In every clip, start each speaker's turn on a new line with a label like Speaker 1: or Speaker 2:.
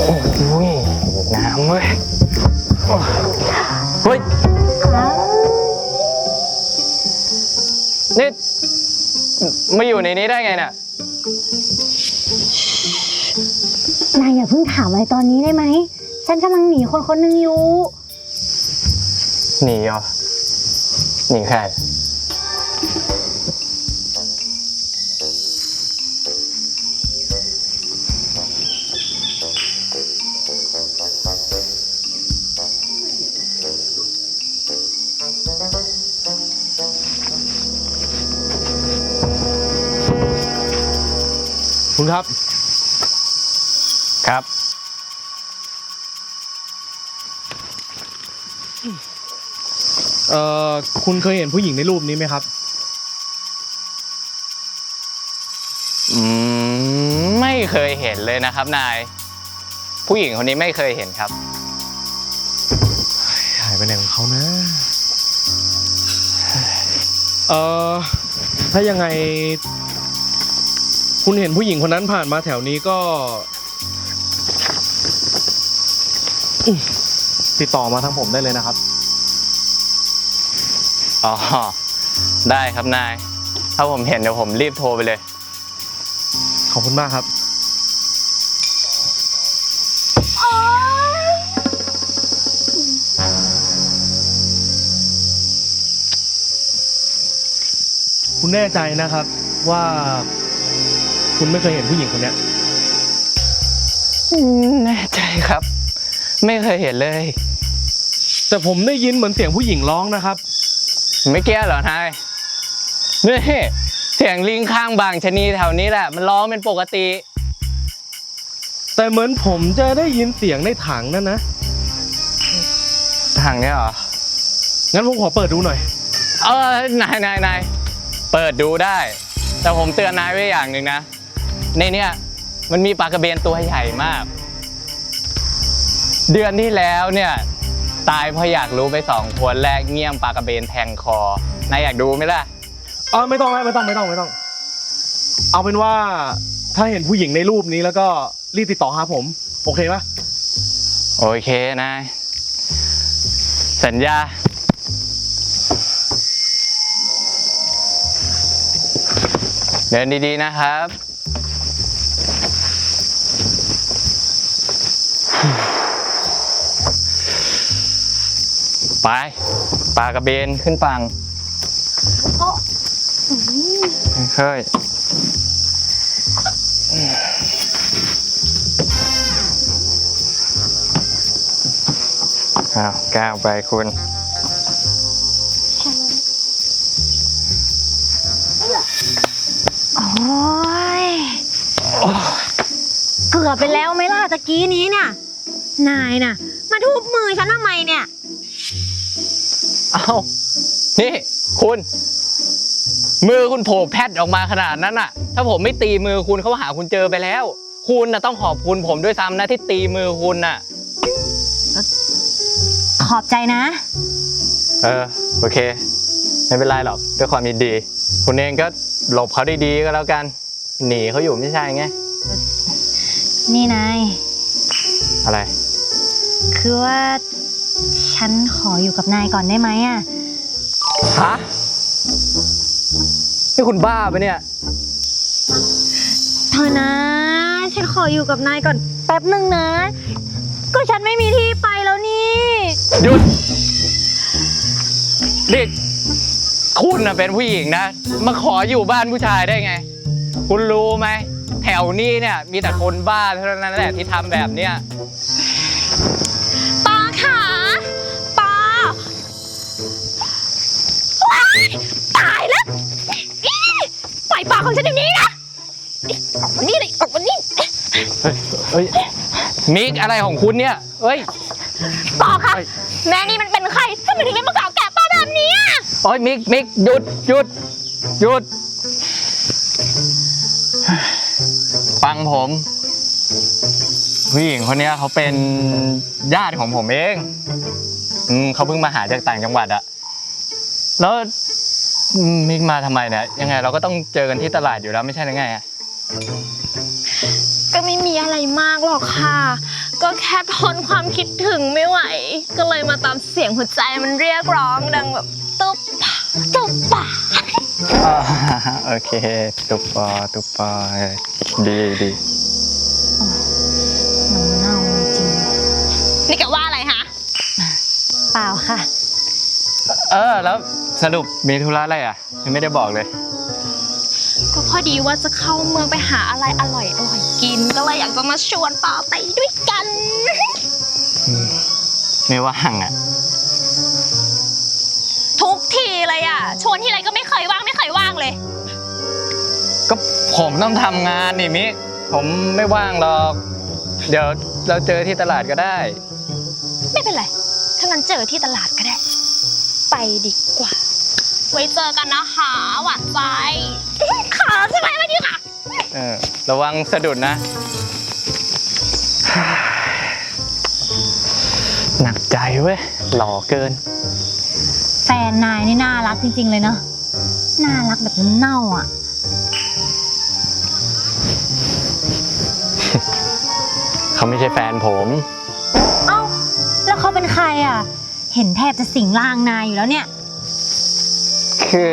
Speaker 1: อ้ยน้ำเว้ยเฮ้ยนี่มาอยู่ในนี้ได้ไงน่ะ
Speaker 2: นายอย่าเพิ่งถามอะไรตอนนี้ได้ไหมฉันกำลังหนีคนคนหนึ่งอยู่
Speaker 1: หนีเหรอหนีใคร
Speaker 3: คุณครับ
Speaker 1: ครับ
Speaker 3: คุณเคยเห็นผู้หญิงในรูปนี้ไหมครับ
Speaker 1: ไม่เคยเห็นเลยนะครับนายผู้หญิงคนนี้ไม่เคยเห็นครับ
Speaker 3: หายไปไหนของเขานะถ้ายังไงคุณเห็นผู้หญิงคนนั้นผ่านมาแถวนี้ก็ติดต่อมาทางผมได้เลยนะครับ
Speaker 1: อ๋อได้ครับนายถ้าผมเห็นเดี๋ยวผมรีบโทรไปเลย
Speaker 3: ขอบคุณมากครับคุณแน่ใจนะครับว่าคุณไม่เคยเห็นผู้หญิงคนนี้
Speaker 1: แน่ใจครับไม่เคยเห็นเลย
Speaker 3: แต่ผมได้ยินเหมือนเสียงผู้หญิงร้องนะครับ
Speaker 1: ไม่เกี้ยเหรอนายนี่เสียงลิงข้างบางชะนีแถวนี้แหละมันร้องเป็นปกติ
Speaker 3: แต่เหมือนผมจะได้ยินเสียงในถังนั่นนะ
Speaker 1: ถังเนี่ยเหรอ
Speaker 3: งั้นผมขอเปิดดูหน่อย
Speaker 1: นายเปิดดูได้แต่ผมเตือนนายไว้อย่างหนึ่งนะในเนี้ยมันมีปลากระเบนตัวใหญ่มากเดือนที่แล้วเนี่ยตายเพราะอยากรู้ไป2 คนแรกเงี้ยมปลากระเบนแทงคอนายอยากดูไหมล่ะ
Speaker 3: ไม่ต้องเอาเป็นว่าถ้าเห็นผู้หญิงในรูปนี้แล้วก็รีบติดต่อหาผมโอเคปะ
Speaker 1: โอเคนายสัญญาเดินดีๆนะครับไปปลากระเบนขึ้นฝั่งค่อยก้าวไปคุณ
Speaker 2: โอ้ยเกือบไปแล้วไหมล่ะตะกี้นี้เนี่ยนายน่ะมาทุบมือฉันทำไมเนี่ย
Speaker 1: นี่คุณมือคุณโผล่แพทออกมาขนาดนั้นน่ะถ้าผมไม่ตีมือคุณเขาหาคุณเจอไปแล้วคุณน่ะต้องขอบคุณผมด้วยซ้ำนะที่ตีมือคุณน่ะ
Speaker 2: ขอบใจนะ
Speaker 1: โอเคไม่เป็นไรหรอกด้วยความยินดีคุณเองก็หลบเขาดีๆก็แล้วกันหนีเขาอยู่ไม่ใช่ไง
Speaker 2: นี่นาย
Speaker 1: อะไร
Speaker 2: คือว่าฉันขออยู่กับนายก่อนได้ไหมอ่ะ
Speaker 1: ฮะนี่คุณบ้าปะเนี่ย
Speaker 2: เธอนะฉันขออยู่กับนายก่อนแป๊บหนึ่งนะก็ฉันไม่มีที่ไปแล้วนี่
Speaker 1: หยุดดิคุณน่ะเป็นผู้หญิงนะมาขออยู่บ้านผู้ชายได้ไงคุณรู้ไหมแถวนี้เนี่ยมีแต่คนบ้าเท่านั้นแหละที่ทำแบบเนี้ย
Speaker 2: ปาขาปาตายแล้วปล่อยปากของฉันอย่างนี้นะออกมานี่เลยออกมานี่
Speaker 1: เฮ้ยมิกอะไรของคุณเนี่ยเฮ้ย
Speaker 2: ปอค่ะแม่นี่มันเป็นใครทำไมถึงได้มาเก่าแก่ป้าแบบนี้
Speaker 1: โอ้ยมิกหยุดฟังผมผู้หญิงคนนี้เขาเป็นญาติของผมเองเขาเพิ่งมาหาจากต่างจังหวัดอะแล้วมิกมาทำไมเนี่ยยังไงเราก็ต้องเจอกันที่ตลาดอยู่แล้วไม่ใช่หรือไงอะ
Speaker 2: ก็ไม่มีอะไรมากหรอกค่ะก็แค่ทนความคิดถึงไม่ไหว ก็เลยมาตามเสียงหัวใจมันเรียกร้องดังแบบตุ๊บป่าตุ๊บป่า
Speaker 1: อ่าโอเคตุปปอดีดี
Speaker 4: น้ำเน่าจริง
Speaker 2: นี่แกว่าอะไรฮะ
Speaker 4: เปล่าค่ะ
Speaker 1: แล้วสรุปมีธุระอะไรอ่ะยังไม่ได้บอกเลย
Speaker 2: ก็พอดีว่าจะเข้าเมืองไปหาอะไรอร่อยกิน ก็เลยอยากจะมาชวนปาไปด้วยกัน
Speaker 1: ไม่ว่างอ่ะ
Speaker 2: ทุกทีเลยอ่ะ ชวนทีไรก็ไม่เคยว่างเลย
Speaker 1: ก็ผมต้องทำงานนี่มิกผมไม่ว่างหรอก เดี๋ยวเราเจอที่ตลาดก็ได้
Speaker 2: ไม่เป็นไร ถ้างั้นเจอที่ตลาดก็ได้ ไปดีกว่า ไว้เจอกันนะคะหวานใจ ขาใช่ไหมวันนี้ค่ะ
Speaker 1: ระวังสะดุดนะ หนักใจเว้ย หล่อเกิน
Speaker 4: แฟนนายนี่น่ารักจริงๆเลยเนาะ น่ารักแบบน้ำเน่าอ่ะ
Speaker 1: เขาไม่ใช่แฟนผม
Speaker 4: เอ้า แล้วเขาเป็นใครอ่ะ เห็นแทบจะสิงร่างนายอยู่แล้วเนี่ย
Speaker 1: คือ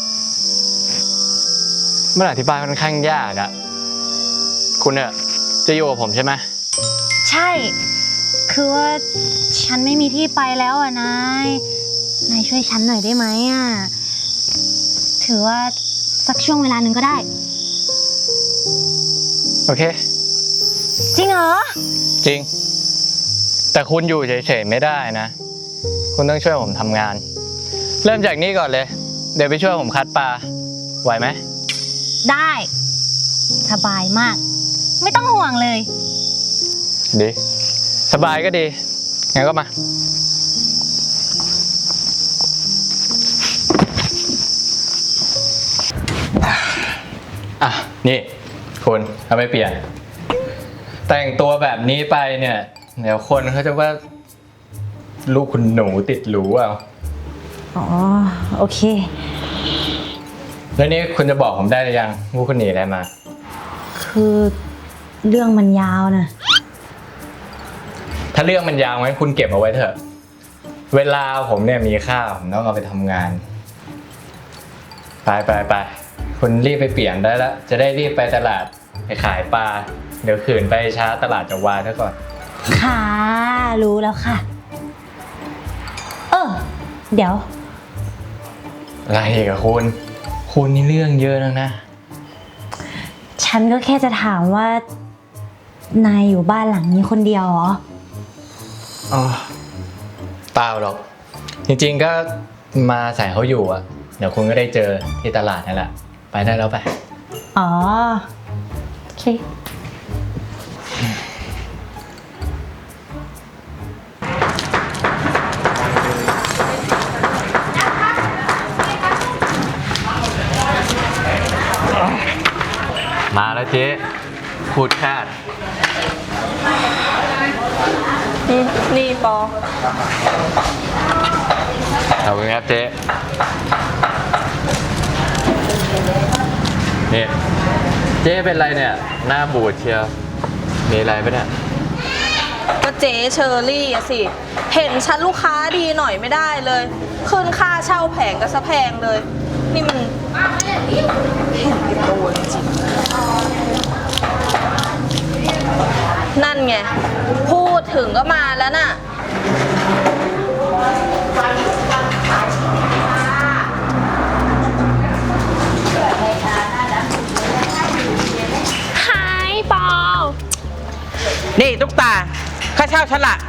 Speaker 1: มันอธิบายค่อนข้างยากอะคุณเนี่ยจะอยู่กับผมใช่ไหม
Speaker 4: ใช่ คือว่าฉันไม่มีที่ไปแล้วอ่ะนายช่วยฉันหน่อยได้ไหมอ่ะ ถือว่าสักช่วงเวลาหนึ่งก็ได้
Speaker 1: โอเค
Speaker 4: จริงเหรอ
Speaker 1: จริง แต่คุณอยู่เฉยๆไม่ได้นะ คุณต้องช่วยผมทำงาน เริ่มจากนี้ก่อนเลย เดี๋ยวไปช่วยผมคัดปลาไหวไหม
Speaker 4: ได้ สบายมาก ไม่ต้องห่วงเลย
Speaker 1: ดีสบายก็ดีงั้นก็มาอ่ะนี่คุณเอาไปเปลี่ยน แต่งตัวแบบนี้ไปเนี่ยเดี๋ยวคนเขาจะว่าลูกคุณหนูติดหรูเอา
Speaker 4: อ๋อ โอเค
Speaker 1: แล้วนี่คุณจะบอกผมได้หรือยังว่าคุณหนีอะไรมา
Speaker 4: คือเรื่องมันยาวนะ
Speaker 1: ถ้าเรื่องมันยาวงั้นคุณเก็บเอาไว้เถอะ เวลาผมเนี่ยมีค่าผมต้องเอาไปทำงาน ไปคุณรีบไปเปลี่ยนได้แล้ว จะได้รีบไปตลาดไปขายปลา เดี๋ยวขืนไปช้าตลาดจะวายซะก่อน
Speaker 4: ค่ะ รู้แล้วค่ะ เดี๋ยว
Speaker 1: อะไรอีกับคุณนี่เรื่องเยอะนักนะ
Speaker 4: ฉันก็แค่จะถามว่า นายอยู่บ้านหลังนี้คนเดียวเหรอ
Speaker 1: อ๋อเปล่าหรอก จริงๆก็มาใส่เขาอยู่อ่ะ เดี๋ยวคุณก็ได้เจอที่ตลาดนั่นแหละ ไปได้แล้วไป
Speaker 4: อ๋อ โอเค
Speaker 1: มาแล้วเจ๊พูดคาด
Speaker 2: นี่ปอ
Speaker 1: ขอบคุณครับเจ๊นี่เจ๊เป็นไรเนี่ยหน้าบูดเชียวมีอะไรปะเนี่ย
Speaker 5: ก็เจ๊เชอรี่อะสิ เห็นชั้นลูกค้าดีหน่อยไม่ได้เลย ขึ้นค่าเช่าแผงก็ซะแพงเลย นี่มันเห็นเป็นตัวจริงนั่นไง พูดถึงก็มาแล้วน่ะ
Speaker 2: ฮายปอ
Speaker 6: นี่ตุ๊กตาค่าเช่าฉันละ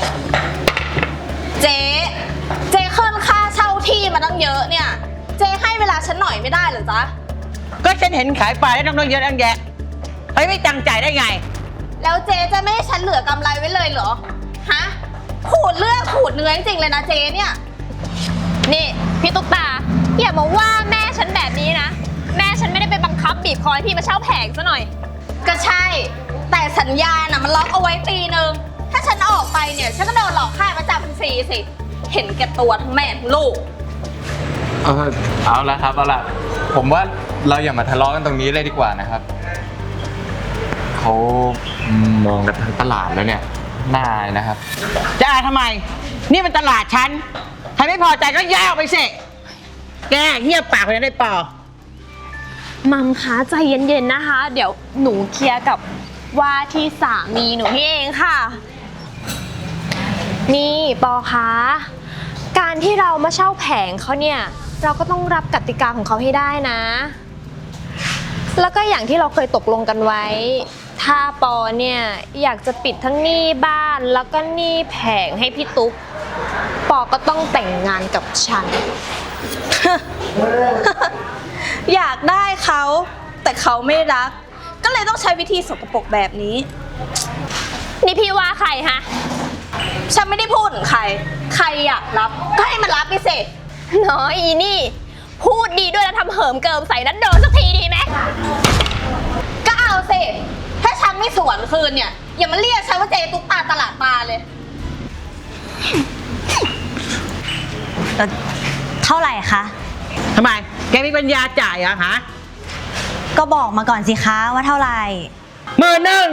Speaker 5: เจ๊ขึ้นค่าเช่าที่มาตั้งเยอะเนี่ย เจ๊ให้เวลาฉันหน่อยไม่ได้เหรอจ๊ะ
Speaker 6: ก็ฉันเห็นขายปลาได้ต้องเยอะตั้งแยะเฮ้ยไม่จังใจายได้ไง
Speaker 5: แล้วเจ๊จะไม่ให้ฉันเหลือกำไรไว้เลยเหรอ ฮะ ขูดเลือดขูดเนื้อจริงๆเลยนะเจ๊เนี่ย
Speaker 2: นี่พี่ตุ๊กตาอย่ามาว่าแม่ฉันแบบนี้นะ แม่ฉันไม่ได้ไปบังคับบีบคอให้พี่มาเช่าแผงซะหน่อย
Speaker 5: ก็ใช่ แต่สัญญาน่ะมันล็อกเอาไว้ปีนึง ถ้าฉันออกไปเนี่ย ฉันก็โดนหลอกค่ามาจำฟรีสิ เห็นแก่ตัวทั้งแม่ทั้งลูก
Speaker 1: เอาละครับเอาละผมว่าเราอย่ามาทะเลาะกันตรงนี้เลยดีกว่านะครับเขามองกันทั้งตลาดแล้วเนี่ยน่าอายนะครับ
Speaker 6: จะอายทำไม นี่มันตลาดฉันใครไม่พอใจก็ย้ายออกไปสิแกเงียบปากเลยนะได้ปอ
Speaker 2: มัมคะใจเย็นๆนะคะ เดี๋ยวหนูเคลียร์กับว่าที่สามีหนูพี่เองค่ะ นี่ปอคะการที่เรามาเช่าแผงเขาเนี่ยเราก็ต้องรับกติกาของเขาให้ได้นะ แล้วก็อย่างที่เราเคยตกลงกันไว้ ถ้าปอเนี่ยอยากจะปิดทั้งหนี้บ้านแล้วก็หนี้แผงให้พี่ตุ๊กปอก็ต้องแต่งงานกับฉัน
Speaker 5: อยากได้เขาแต่เขาไม่รัก ก็เลยต้องใช้วิธีสกปรกแบบนี้
Speaker 2: นี่พี่ว่าใครฮะ
Speaker 5: ฉันไม่ได้พูดถึงใคร ใครอยากรับก็ให้มันรับไปสิ
Speaker 2: น้อยอีนี่ พูดดีด้วยแล้วทำเหิมเกิมใส่นัดโดนสักทีดีไหม
Speaker 5: ก็เอาสิ ถ้าฉันไม่สวนคืนเนี่ย อย่ามาเรียกฉันว่าเจตุ๊กตาตลาดปลาเลย
Speaker 4: เท่าไหร่คะ
Speaker 6: ทำไม แกมีปัญญาจ่ายเหรอฮะ
Speaker 4: ก็บอกมาก่อนสิคะว่าเท่าไหร่
Speaker 6: 10,000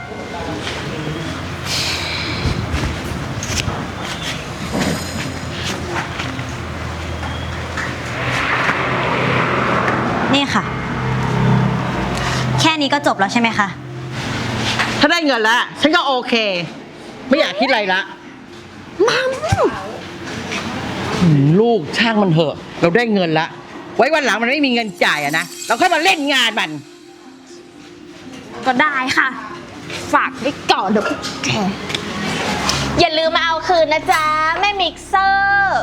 Speaker 4: นี่ค่ะ แค่นี้ก็จบแล้วใช่ไหมคะ
Speaker 6: ถ้าได้เงินแล้วฉันก็โอเค ไม่อยากคิดอะไรละลูกช่างมันเถอะ เราได้เงินละ ไว้วันหลังมันไม่มีเงินจ่ายอะนะ เราค่อยมาเล่นงานมัน
Speaker 2: ก็ได้ค่ะ ฝากไว้ก่อนเดี๋ยวพวกแกอย่าลืมมาเอาคืนนะจ๊ะ แม่มิกเซอร์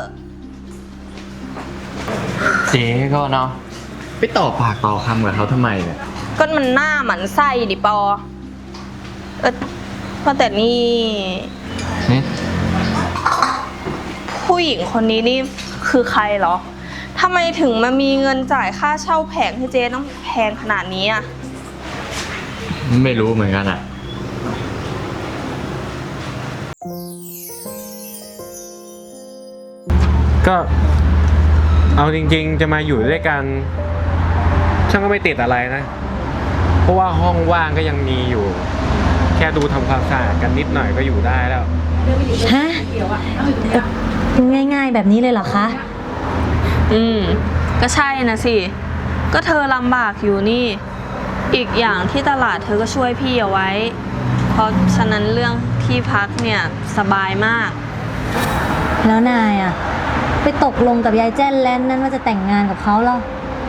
Speaker 1: เจ๊ก็เนาะไปต่อปากต่อคำกับเขาทำไมเนี่ย
Speaker 5: ก็มันหน้าหมันไส้ดิปอว่าแต่นี่
Speaker 1: นี่
Speaker 5: ผู้หญิงคนนี้นี่คือใครเหรอทำไมถึงมามีเงินจ่ายค่าเช่าแผงให้เจ๊ต้องแพงขนาดนี้อ่ะ
Speaker 1: ไม่รู้เหมือนกันอ่ะ
Speaker 3: ก็เอาจริงๆจะมาอยู่ด้วยกันฉันก็ไม่ติดอะไรนะ เพราะว่าห้องว่างก็ยังมีอยู่ แค่ดูทำความสะอาดกันนิดหน่อยก็อยู่ได้แล้ว
Speaker 4: ฮะง่ายๆแบบนี้เลยเหรอคะ
Speaker 5: ก็ใช่นะสิ ก็เธอลำบากอยู่นี่ อีกอย่างที่ตลาดเธอก็ช่วยพี่เอาไว้ เพราะฉะนั้นเรื่องที่พักเนี่ยสบายมาก
Speaker 4: แล้วนายอ่ะ ไปตกลงกับยายแจ้นแลนนั้นว่าจะแต่งงานกับเขาเหรอ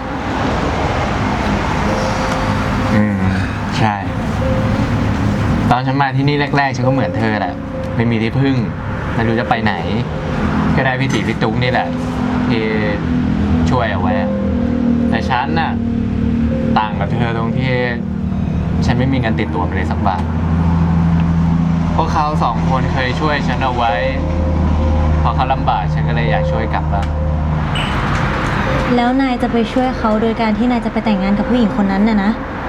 Speaker 1: ใช่ ตอนฉันมาที่นี่แรกๆฉันก็เหมือนเธอแหละ ไม่มีที่พึ่ง ไม่รู้จะไปไหน ก็ได้พี่ตีพี่ตุ๊กนี่แหละ ที่ช่วยเอาไว้ แต่ฉันน่ะต่างกับเธอตรงที่ฉันไม่มีเงินติดตัวไปเลยสักบาทพวกเขาสองคนเคยช่วยฉันเอาไว้ พอเขาลำบากฉันก็เลยอยากช่วยกลับบ้าง
Speaker 4: แล้วนายจะไปช่วยเขาโดยการที่นายจะไปแต่งงานกับผู้หญิงคนนั้นน่ะนะ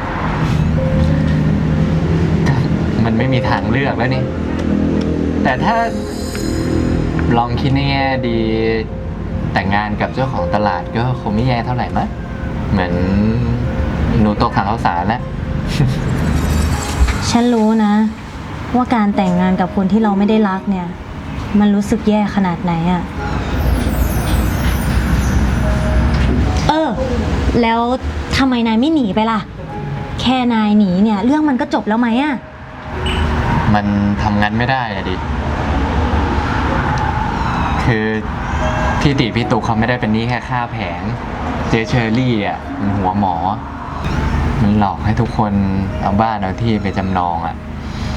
Speaker 1: มันไม่มีทางเลือกแล้วนี่ แต่ถ้าลองคิดในแง่ดีแต่งงานกับเจ้าของตลาดก็คงไม่แย่เท่าไหร่มั้ยเหมือนหนูตกถังข้าวสารแล้ว
Speaker 4: ฉันรู้นะ ว่าการแต่งงานกับคนที่เราไม่ได้รักเนี่ย มันรู้สึกแย่ขนาดไหนอะแล้วทำไมนายไม่หนีไปล่ะ แค่นายหนีเนี่ยเรื่องมันก็จบแล้วไหมอะ
Speaker 1: มันทำงานไม่ได้อะดิ คือพี่ติพี่ตุกเขาไม่ได้เป็นหนี้แค่ค่าแผง เจเชอรี่อ่ะมันหัวหมอ มันหลอกให้ทุกคนเอาบ้านเอาที่ไปจำนองอ่ะ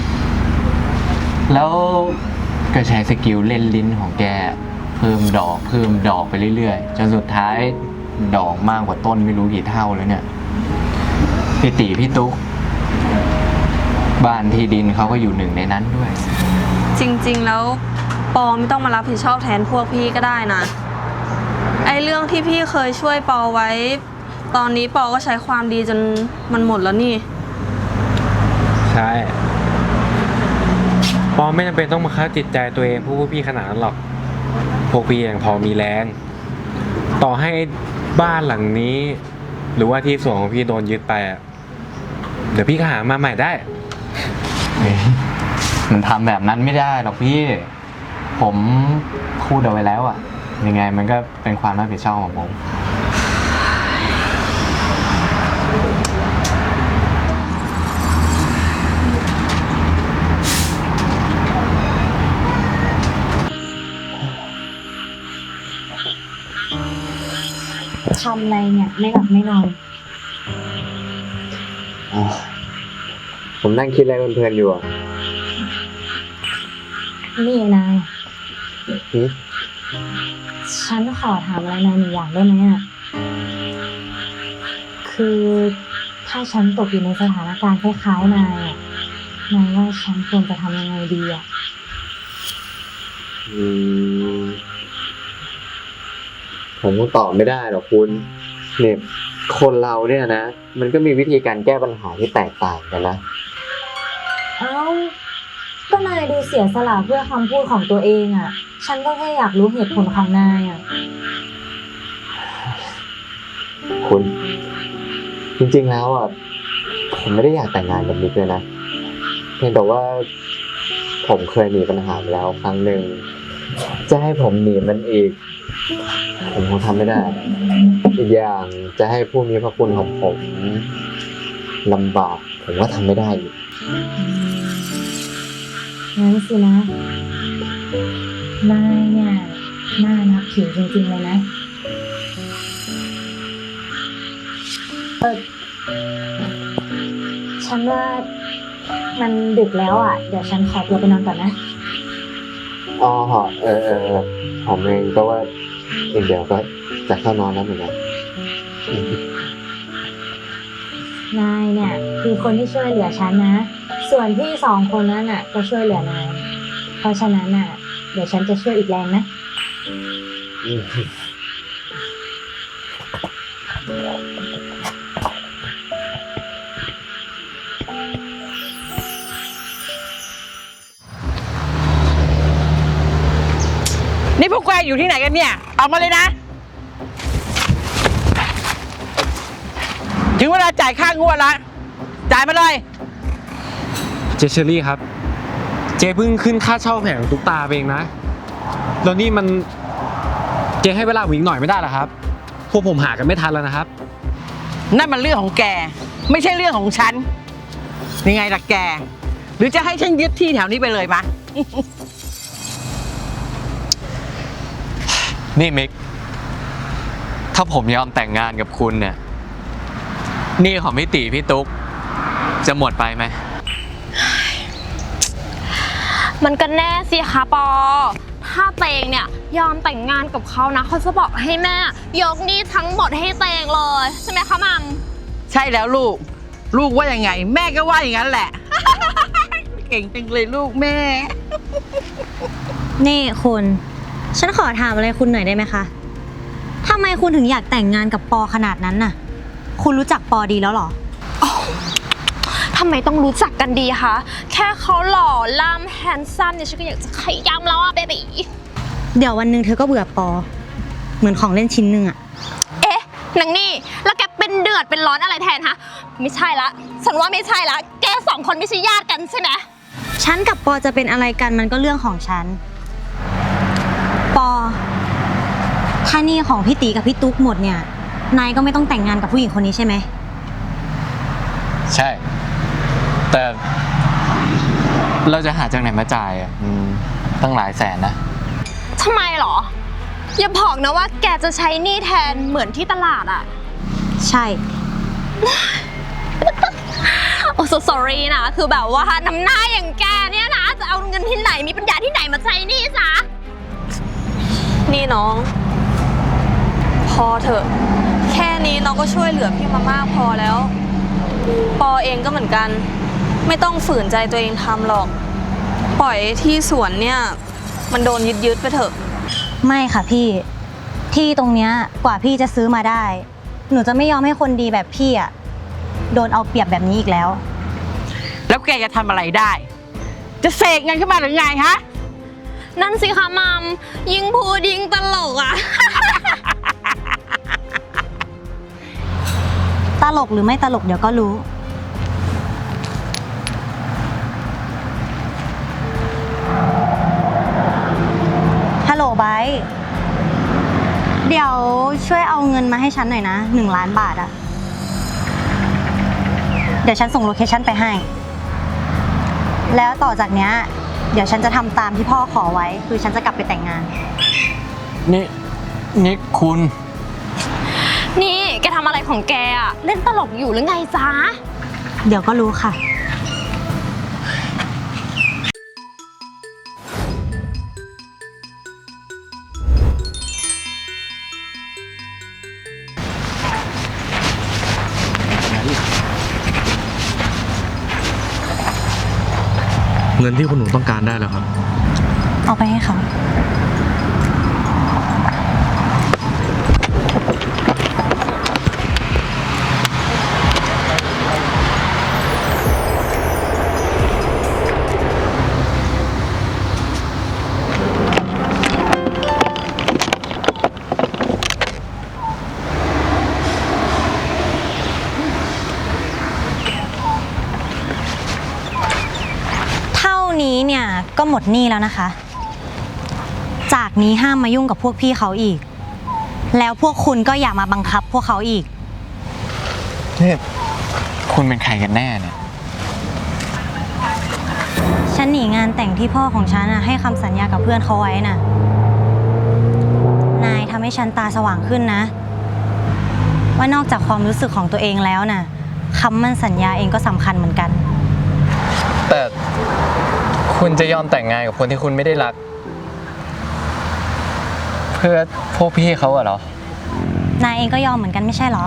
Speaker 1: แล้วก็ใช้สกิลเล่นลิ้นของแกเพิ่มดอกไปเรื่อยๆจนสุดท้ายดอกมากกว่าต้นไม่รู้กี่เท่าแล้วเนี่ย พี่ติพี่ตุ๊กบ้านที่ดินเขาก็อยู่หนึ่งในนั้นด้วย
Speaker 5: จริงๆแล้วปอไม่ต้องมารับผิดชอบแทนพวกพี่ก็ได้นะไอเรื่องที่พี่เคยช่วยปอไว้ ตอนนี้ปอก็ใช้ความดีจนมันหมดแล้วนี่
Speaker 3: ใช่ปอไม่จำเป็นต้องมาฆ่าจิตใจตัวเองพวกพี่ขนาดนั้นหรอก พวกพี่ยังพอมีแรง ต่อให้บ้านหลังนี้ หรือว่าที่ส่วนของพี่โดนยึดไปอ่ะเดี๋ยวพี่ก็หามาใหม่ได้
Speaker 1: มันทำแบบนั้นไม่ได้หรอกพี่ ผมพูดเอาไว้แล้วอะยังไงมันก็เป็นความรับผิดชอบของผม
Speaker 4: ทำอะไรเนี่ยไม่หลับไม่นอน
Speaker 3: ผมนั่งคิดอะไรเพลินๆอยู่อ่ะ
Speaker 4: นี่นาย
Speaker 3: หือ
Speaker 4: ฉันขอถามอะไรนายหนึ่งอย่างได้ไหมอ่ะ คือถ้าฉันตกอยู่ในสถานการณ์คล้ายๆนายอ่ะ นายว่าฉันควรจะทำยังไงดีอ่ะ
Speaker 3: ผมก็ตอบไม่ได้หรอกคุณเนี่ยคนเราเนี่ยนะ มันก็มีวิธีการแก้ปัญหาที่แตกต่างกันนะ
Speaker 4: เอ้า ก็นายดูเสียสละเพื่อคำพูดของตัวเองอ่ะ ฉันก็แค่อยากรู้เหตุผลของนายอ่ะ
Speaker 3: คุณจริงๆแล้วอ่ะผมไม่ได้อยากแต่งงานกับนิกเลยนะเพียงแต่ว่าผมเคยมีปัญหามาแล้วครั้งหนึ่งจะให้ผมหนีมันอีกผมคงทำไม่ได้ อีกอย่างจะให้ผู้มีพระคุณของผมลำบากผมก็ทำไม่ได้อีก
Speaker 4: งั้นสินะ นายเนี่ยน่านับถือจริงๆเลยนะ ฉันว่ามันดึกแล้วอ่ะ เดี๋ยวฉันขอตัวไปนอนก่อนนะ
Speaker 3: อ๋อผมเองก็ว่าอีกเดี๋ยวก็จะเข้านอนแล้วเหมือนกัน
Speaker 4: นายเนี่ยคือคนที่ช่วยเหลือฉันนะ ส่วนพี่สองคนนั้นน่ะก็ช่วยเหลือนาย เพราะฉะนั้นน่ะ เดี๋ยวฉันจะช่วยอีกแรงนะ
Speaker 6: นี่พวกแกอยู่ที่ไหนกันเนี่ยออกมาเลยนะ ถึงเวลาจ่ายค่างวดละจ่ายมาเลย
Speaker 3: เจเชอรี่ครับ เจเพิ่งขึ้นค่าเช่าแผงตุ๊กตาไปเองนะแล้วนี่มันเจให้เวลาผมอีกหน่อยไม่ได้เหรอครับพวกผมหากันไม่ทันแล้วนะครับ
Speaker 6: นั่นมันเรื่องของแก ไม่ใช่เรื่องของฉันยังไงล่ะแก หรือจะให้ฉันยึดที่แถวนี้ไปเลยมะ
Speaker 1: นี่มิก ถ้าผมยอมแต่งงานกับคุณเนี่ยหนี้ของพี่ตีพี่ตุ๊กจะหมดไปไหม
Speaker 2: มันก็แน่สิคะปอ ถ้าเตงเนี่ยยอมแต่งงานกับเขานะเขาจะบอกให้แม่ยกหนี้ทั้งหมดให้เตงเลยใช่ไหมคะมัม
Speaker 6: ใช่แล้วลูก ลูกว่ายังไง แม่ก็ว่าอย่างนั้นแหละ เก่งจังเลยลูกแม่
Speaker 4: นี่คุณ ฉันขอถามอะไรคุณหน่อยได้ไหมคะทำไมคุณถึงอยากแต่งงานกับปอขนาดนั้นน่ะ คุณรู้จักปอดีแล้วเหรอ
Speaker 2: ทำไมต้องรู้จักกันดีคะแค่เขาหล่อล่ำแฮนซัมเนี่ยฉันก็อยากจะขย้ำแล้วอะเบบี
Speaker 4: เดี๋ยววันหนึ่งเธอก็เบื่อปอ เหมือนของเล่นชิ้นหนึ่งอะ
Speaker 2: เอ๊ะนางนี่แล้วแกเป็นเดือดเป็นร้อนอะไรแทนฮะไม่ใช่ละฉันว่าไม่ใช่ละแกสองคนไม่ใช่ญาติกันใช่ไหม
Speaker 4: ฉันกับปอจะเป็นอะไรกันมันก็เรื่องของฉัน ปอ ถ้าหนี่ของพี่ตีกับพี่ตุ๊กหมดเนี่ย นายก็ไม่ต้องแต่งงานกับผู้หญิงคนนี้ใช่ไหม
Speaker 1: ใช่ แต่เราจะหาจากไหนมาจ่ายอ่ะตั้งหลายแสนนะ
Speaker 2: ทำไมหรออย่าบอกนะว่าแกจะใช้หนี้แทนเหมือนที่ตลาดอะ
Speaker 4: ใช่
Speaker 2: โอ้ so sorry นะคือแบบว่าน้ำหน้าอย่างแกเนี่ยนะจะเอาเงินที่ไหนมีปัญญาที่ไหนมาใช้หนี้ซะ
Speaker 5: นี่น้อง พอเถอะ แค่นี้น้องก็ช่วยเหลือพี่มามากพอแล้ว ปอเองก็เหมือนกัน ไม่ต้องฝืนใจตัวเองทำหรอก ปล่อยที่สวนเนี่ยมันโดนยึดไปเถอะ
Speaker 4: ไม่ค่ะพี่ ที่ตรงเนี้ยกว่าพี่จะซื้อมาได้ หนูจะไม่ยอมให้คนดีแบบพี่อะโดนเอาเปรียบแบบนี้อีกแล้ว
Speaker 6: แล้วแกจะทำอะไรได้ จะเสกเงินขึ้นมาหรือไงฮะ
Speaker 2: นั่นสิคะมัมยิงพูดยิงตลกอะ
Speaker 4: ตลกหรือไม่ตลกเดี๋ยวก็รู้เดี๋ยวช่วยเอาเงินมาให้ฉันหน่อยนะ1 ล้านบาทอะเดี๋ยวฉันส่งโลเคชั่นไปให้ แล้วต่อจากเนี้ยเดี๋ยวฉันจะทำตามที่พ่อขอไว้ คือฉันจะกลับไปแต่งงาน
Speaker 1: นี่คุณ
Speaker 2: นี่แกทำอะไรของแกอะเล่นตลกอยู่หรือไงจ๊ะ
Speaker 4: เดี๋ยวก็รู้ค่ะ
Speaker 3: เงินที่คุณหนูต้องการได้แล้วครับ
Speaker 4: เอาไปให้เขา เท่านี้เนี่ยก็หมดหนี้แล้วนะคะ จากนี้ห้ามมายุ่งกับพวกพี่เขาอีก แล้วพวกคุณก็อย่ามาบังคับพวกเขาอีก
Speaker 1: นี่คุณเป็นใครกันแน่เนี่ย
Speaker 4: ฉันหนีงานแต่งที่พ่อของฉันให้คำสัญญากับเพื่อนเขาไว้น่ะ นายทำให้ฉันตาสว่างขึ้นนะ ว่านอกจากความรู้สึกของตัวเองแล้วน่ะคำมั่นสัญญาเองก็สำคัญเหมือนกัน
Speaker 1: แต่คุณจะยอมแต่งงานกับคนที่คุณไม่ได้รัก เพื่อพวกพี่เขาเหรอ
Speaker 4: นายเองก็ยอมเหมือนกันไม่ใช่เหรอ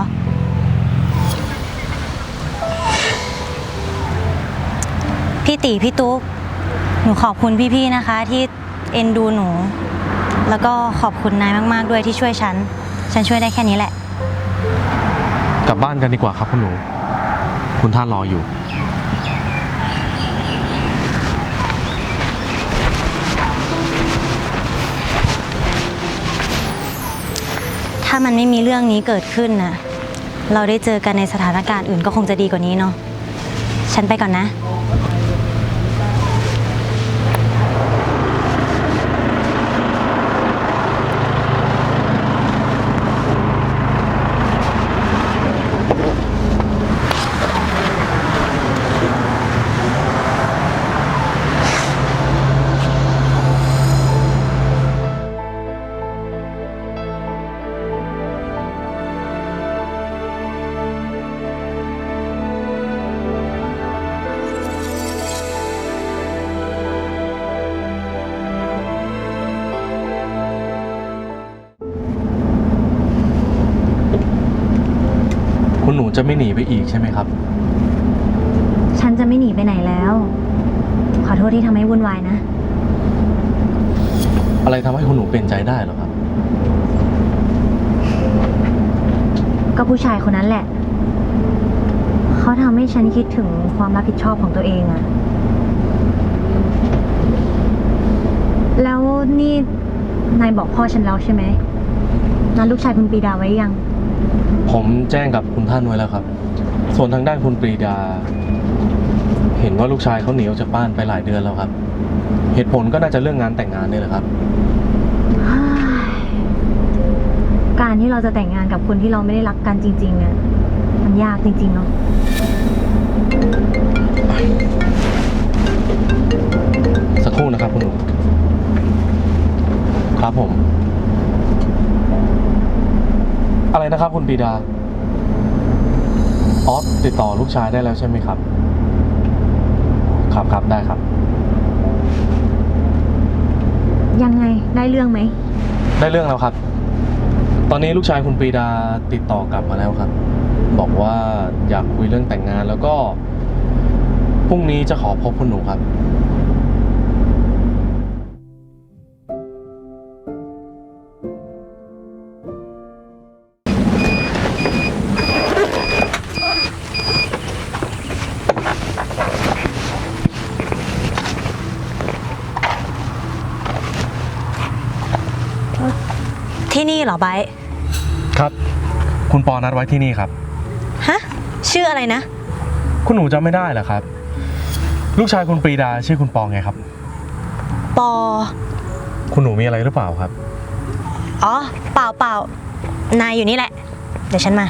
Speaker 4: พี่ตีพี่ตุ๊กหนูขอบคุณพี่ๆนะคะที่เอ็นดูหนู แล้วก็ขอบคุณนายมากๆด้วยที่ช่วยฉันช่วยได้แค่นี้แหละ
Speaker 3: กลับบ้านกันดีกว่าครับคุณหนู คุณท่านรออยู่
Speaker 4: ถ้ามันไม่มีเรื่องนี้เกิดขึ้นน่ะ เราได้เจอกันในสถานการณ์อื่นก็คงจะดีกว่านี้เนาะ ฉันไปก่อนนะ
Speaker 3: คุณหนูจะไม่หนีไปอีกใช่ไหมครับ
Speaker 4: ฉันจะไม่หนีไปไหนแล้ว ขอโทษที่ทำให้วุ่นวายนะ
Speaker 3: อะไรทำให้คุณหนูเปลี่ยนใจได้เหรอครับ
Speaker 4: ก็ผู้ชายคนนั้นแหละ เขาทำให้ฉันคิดถึงความรับผิดชอบของตัวเองอะแล้วนี่นายบอกพ่อฉันแล้วใช่ไหมนัดลูกชายคุณปรีดาไว้ยัง
Speaker 3: ผมแจ้งกับคุณท่านไว้แล้วครับ ส่วนทางด้านคุณปรีดา เห็นว่าลูกชายเขาหนีออกจากบ้านไปหลายเดือนแล้วครับ เหตุผลก็น่าจะเรื่องงานแต่งงานนี่แหละครับ
Speaker 4: การที่เราจะแต่งงานกับคนที่เราไม่ได้รักกันจริงๆอะมันยากจริงๆเนาะ
Speaker 3: สักครู่นะครับคุณหนู ครับผม อะไรนะครับคุณปรีดา อ๋อติดต่อลูกชายได้แล้วใช่ไหมครับ ครับได้ครับ
Speaker 4: ยังไงได้เรื่องไหม
Speaker 3: ได้เรื่องแล้วครับ ตอนนี้ลูกชายคุณปรีดาติดต่อกลับมาแล้วครับ บอกว่าอยากคุยเรื่องแต่งงานแล้วก็พรุ่งนี้จะขอพบคุณหนูครับ
Speaker 4: ที่นี่เหรอไบร์ท
Speaker 3: ครับ คุณปอนัดไว้ที่นี่ครับ
Speaker 4: ฮะ ชื่ออะไรนะ
Speaker 3: คุณหนูจำไม่ได้เหรอครับ ลูกชายคุณปรีดาชื่อคุณปอไงครับ
Speaker 4: ปอ
Speaker 3: คุณหนูมีอะไรหรือเปล่าครับ
Speaker 4: อ๋อ เปล่าเปล่านายอยู่นี่แหละ เดี๋ยวฉันมา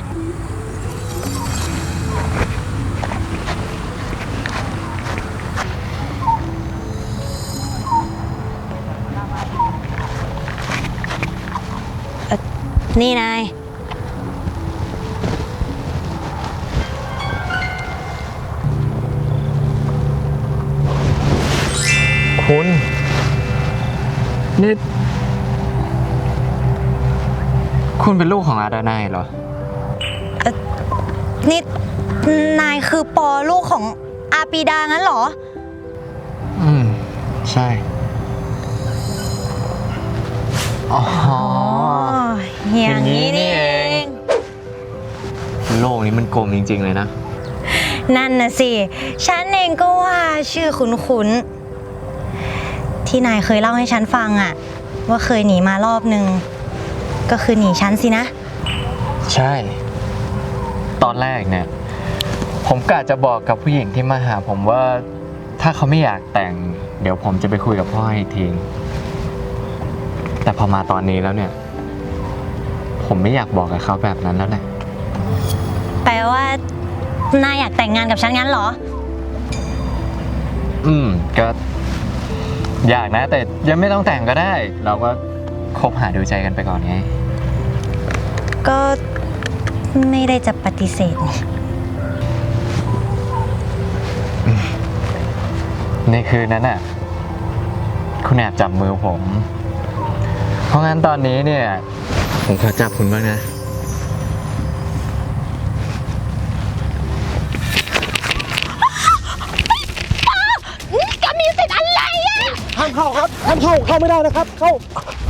Speaker 4: นี่นาย
Speaker 1: คุณนี่คุณเป็นลูกของอาดานายเหรอ
Speaker 4: นี่นายคือปอลูกของอาปีดางั้นเหรอ
Speaker 1: ใช่ อ๋อ
Speaker 4: อย่างนี้นี่เอง
Speaker 1: โลกนี้มันกลมจริงๆเลยนะ
Speaker 4: นั่นน่ะสิ ฉันเองก็ว่าชื่อคุ้นๆ ที่นายเคยเล่าให้ฉันฟังอะว่าเคยหนีมารอบนึง ก็คือหนีฉันสินะ
Speaker 1: ใช่ ตอนแรกเนี่ย ผมกะจะบอกกับผู้หญิงที่มาหาผมว่าถ้าเขาไม่อยากแต่ง เดี๋ยวผมจะไปคุยกับพ่ออีกที แต่พอมาตอนนี้แล้วเนี่ย ผมไม่อยากบอกกับเขาแบบนั้นแล้วแหละ
Speaker 4: แปลว่านายอยากแต่งงานกับฉันงั้นเหรอ
Speaker 1: ก็อยากนะ แต่ยังไม่ต้องแต่งก็ได้ เราก็คบหาดูใจกันไปก่อนไง
Speaker 4: ก็ไม่ได้จะปฏิเสธนี่
Speaker 1: ในคืนนั้นน่ะ คุณแอบจับมือผม เพราะงั้นตอนนี้เนี่ย ผมขอจับคุณบ้างนะ
Speaker 7: ห้ามเข้าครับ ห้ามเข้าไม่ได้นะครับ เข้า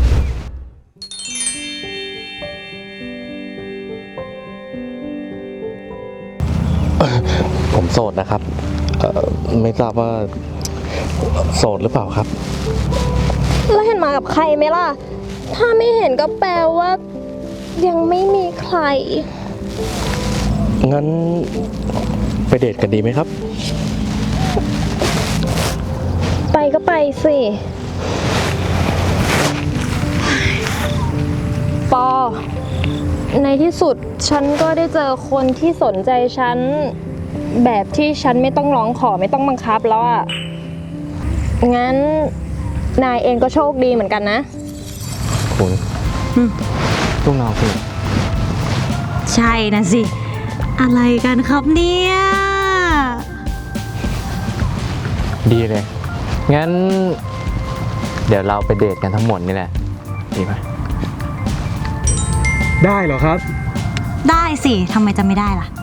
Speaker 7: ผมโสดนะครับ ไม่ทราบว่าโสดหรือเปล่าครับ
Speaker 2: แล้วเห็นมากับใครไหมล่ะ ถ้าไม่เห็นก็แปลว่า ยังไม่มีใคร
Speaker 7: งั้นไปเดทกันดีไหมครับ
Speaker 2: ไปก็ไปสิ ปอ ในที่สุดฉันก็ได้เจอคนที่สนใจฉัน แบบที่ฉันไม่ต้องร้องขอไม่ต้องบังคับแล้วอ่ะ งั้นนายเองก็โชคดีเหมือนกันนะ
Speaker 1: คุณลูกน้องคุณ
Speaker 4: ใช่นะสิ อะไรกันครับเนี่ย
Speaker 1: ดีเลย งั้น เดี๋ยวเราไปเดทกันทั้งหมดนี่แหละ ดีไหม
Speaker 7: ได้เหรอครับ
Speaker 4: ได้สิทำไมจะไม่ได้ล่ะ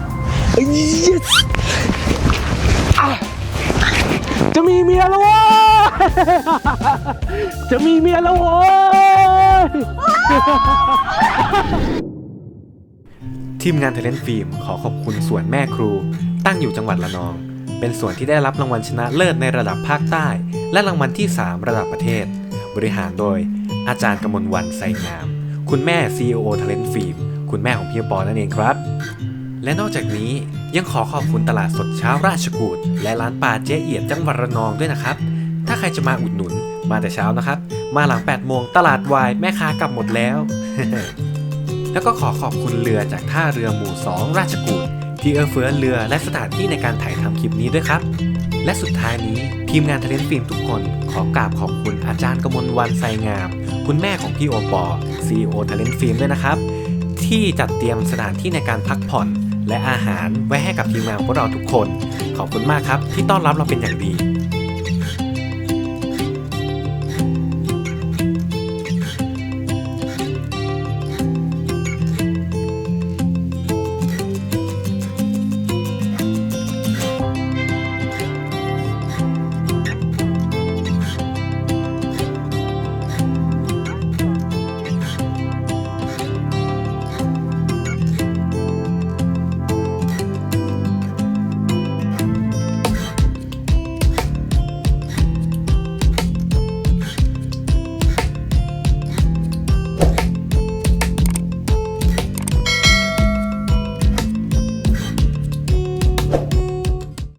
Speaker 7: จะมีเมียแล้ววะ จะมีเมียแล้วโว้ย
Speaker 3: ทีมงาน Talent Film ขอขอบคุณสวนแม่ครู ตั้งอยู่จังหวัดระนอง เป็นสวนที่ได้รับรางวัลชนะเลิศในระดับภาคใต้ และรางวัลที่ 3 ระดับประเทศ บริหารโดยอาจารย์กมลวรรณไสงาม คุณแม่ CEO Talent Film คุณแม่ของพี่ปอนั่นเองครับ และนอกจากนี้ยังขอขอบคุณตลาดสดเช้าราชกูฏและร้านปลาเจ๊เอียดจังหวัดระนองด้วยนะครับ ถ้าใครจะมาอุดหนุนมาแต่เช้านะครับ มาหลัง 8 โมงตลาดวายแม่ค้ากลับหมดแล้ว แล้วก็ขอขอบคุณเรือจากท่าเรือหมู่ 2 ราชกูฏที่เฟื้อเรือและสถานที่ในการถ่ายทำคลิปนี้ด้วยครับ และสุดท้ายนี้ทีมงาน Talent Film ทุกคนขอกราบขอบคุณอาจารย์กมลวรรณไสงาม คุณแม่ของพี่โอปอ CEO Talent Film ด้วยนะครับ ที่จัดเตรียมสถานที่ในการพักผ่อนและอาหารไว้ให้กับทีมงานพวกเราทุกคน ขอบคุณมากครับที่ต้อนรับเราเป็นอย่างดี